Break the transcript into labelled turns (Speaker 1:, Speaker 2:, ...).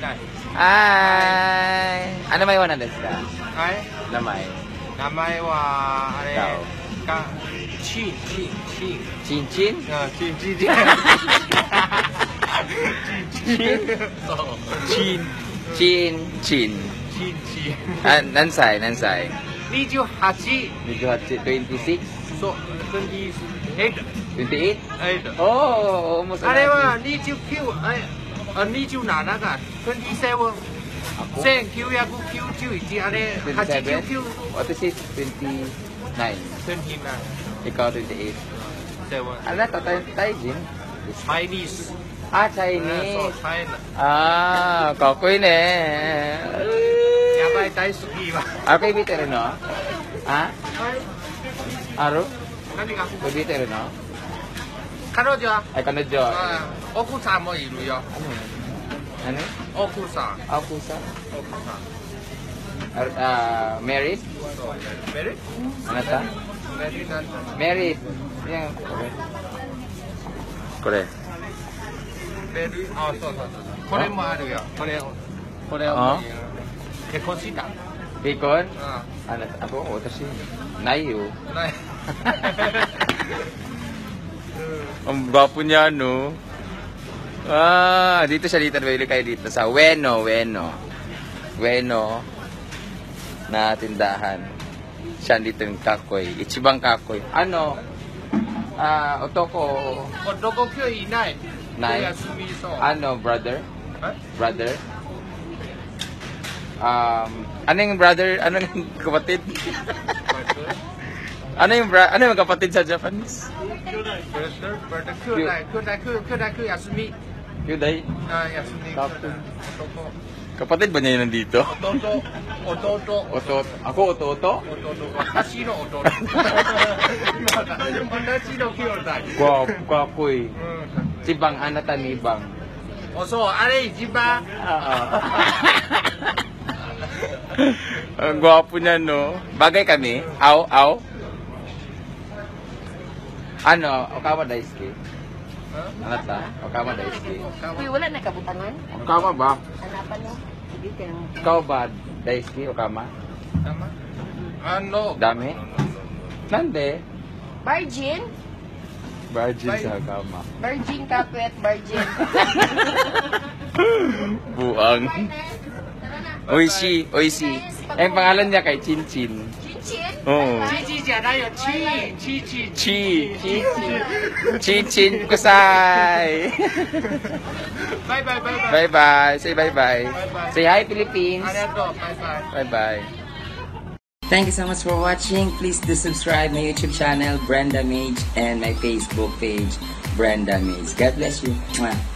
Speaker 1: Ay! Ano may wana desu ka?
Speaker 2: はい。
Speaker 1: Namay.
Speaker 2: 名前は、あれ、
Speaker 1: Ikaw.
Speaker 2: チン。
Speaker 1: Chin-chin?
Speaker 2: あ、チン。そう。
Speaker 1: Chin. Chin. Chin.
Speaker 2: チン。
Speaker 1: Ah, nansay?
Speaker 2: 28。
Speaker 1: 26?
Speaker 2: そう。28。
Speaker 1: 28? Oh, almost
Speaker 2: あれは29、27が27。
Speaker 1: Ako?
Speaker 2: 1991、あれ、
Speaker 1: 27?
Speaker 2: 89。
Speaker 1: What is it? 29.
Speaker 2: 29。
Speaker 1: Ikaw 28.
Speaker 2: 7。
Speaker 1: Ano to? Taijin?
Speaker 2: Chinese。
Speaker 1: Ah,
Speaker 2: そう、
Speaker 1: Chinese.
Speaker 2: チャイナ。
Speaker 1: Ah, kakoy ne.
Speaker 2: やばい、大好きは。
Speaker 1: Ako ibiteru no? Ha? Aro?
Speaker 2: 何が
Speaker 1: Ibiteru no?
Speaker 2: 彼女は
Speaker 1: Ay, kanadyo.
Speaker 2: あ奥さんもいるよ。
Speaker 1: Ano?
Speaker 2: 奥さん。
Speaker 1: Akusa?
Speaker 2: 奥さん。
Speaker 1: Married?
Speaker 2: メリ
Speaker 1: Ano ta?
Speaker 2: メリなんだ。
Speaker 1: Married. Yan. Kore.
Speaker 2: メリあ、そう。これもあるよ。これを
Speaker 1: あ
Speaker 2: 結婚した。
Speaker 1: Bacon?
Speaker 2: あ
Speaker 1: Ano? Ako, watashi. Nayo.
Speaker 2: ない。
Speaker 1: Ang gwapo niya, no? Ah, dito siya dito. Bili kayo dito sa Ueno na tindahan. Siya dito yung kakoy. Ichibang kakoy. Ano? Otoko.
Speaker 2: 男今日いない。
Speaker 1: ない
Speaker 2: 今日休みそう。
Speaker 1: Ano, brother?
Speaker 2: え
Speaker 1: Brother? Ano yung brother? Ano yung kapatid? Ano yung kapatid sa Japanese?
Speaker 2: 兄弟休み。
Speaker 1: Yuday?
Speaker 2: あ、休み。
Speaker 1: Kapatid.
Speaker 2: 男。
Speaker 1: Kapatid ba niya yun nandito?
Speaker 2: 弟。
Speaker 1: Otot. Ako, ototo?
Speaker 2: 私の弟。私の兄弟。
Speaker 1: Gwapoy.
Speaker 2: うん。
Speaker 1: Si Bang, anata ni Bang.
Speaker 2: お、そう、あれ一番。
Speaker 1: Ang gwapo niya, no? Bagay kami? Aw? Ano? Okawa daisuki? Anata? Okawa daisuki?
Speaker 3: Uy, wala na kabutangan.
Speaker 1: Okama ba?
Speaker 3: Hanapan mo. Sige ka.
Speaker 1: Ikaw ba daisuki? Okama?
Speaker 2: Tama? Ano?
Speaker 1: Dami? Nande?
Speaker 3: Virgin?
Speaker 1: Virgin sa Okama.
Speaker 3: Virgin kapit, virgin.
Speaker 1: Buang. Oishi. Ang pangalan niya kay Chinchin.
Speaker 3: Chinchin?
Speaker 1: Oo.
Speaker 2: チじゃないよ、チ。
Speaker 1: Chinchin kusai.
Speaker 2: バイバイ。
Speaker 1: Bye-bye. Say bye-bye. Say hi, Philippines.
Speaker 2: ありがとう。バイバイ。
Speaker 1: Bye-bye. Thank you so much for watching. Please do subscribe my YouTube channel, Brenda Mage, and my Facebook page, Brenda Mage. God bless you. Mwah.